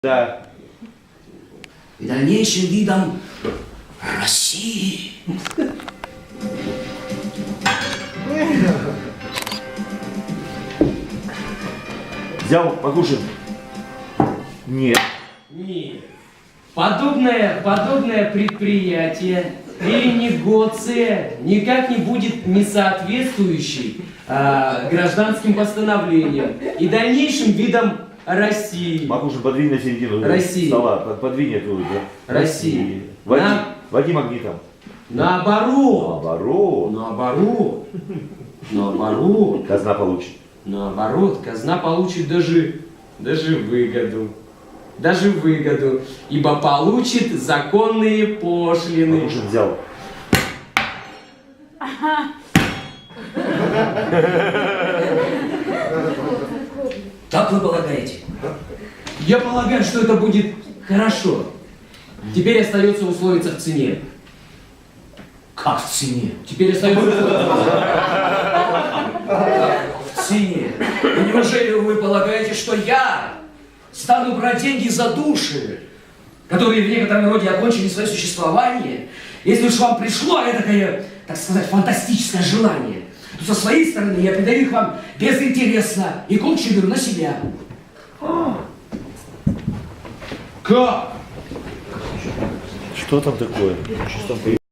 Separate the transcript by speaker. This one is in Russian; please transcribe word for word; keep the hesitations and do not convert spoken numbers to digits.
Speaker 1: Да.
Speaker 2: И дальнейшим видом России.
Speaker 1: Взял, покушаем. Нет.
Speaker 3: Нет. Подобное, подобное предприятие или негоция никак не будет не соответствующей а, гражданским постановлениям и дальнейшим видам России.
Speaker 1: Макушин, подвинь на середину
Speaker 3: России.
Speaker 1: стола. Под- Подвинь эту, да.
Speaker 3: России.
Speaker 1: Води,
Speaker 3: На-
Speaker 1: води магнитом.
Speaker 3: Наоборот.
Speaker 1: Наоборот.
Speaker 3: Наоборот. Наоборот.
Speaker 1: Казна получит.
Speaker 3: Наоборот, казна получит даже, даже выгоду. Даже выгоду, ибо получит законные пошлины.
Speaker 1: Макушин взял.
Speaker 2: Как вы полагаете?
Speaker 3: Я полагаю, что это будет хорошо. Теперь остается условиться в цене.
Speaker 2: Как в цене?
Speaker 3: Теперь остается условиться.
Speaker 2: В цене? И неужели вы полагаете, что я стану брать деньги за души, которые в некотором роде окончили свое существование? Если уж вам пришло этакое, так сказать, фантастическое желание, то со своей стороны я передаю их вам безинтересно и кучу беру на себя.
Speaker 3: Как?
Speaker 1: Что там такое? Что там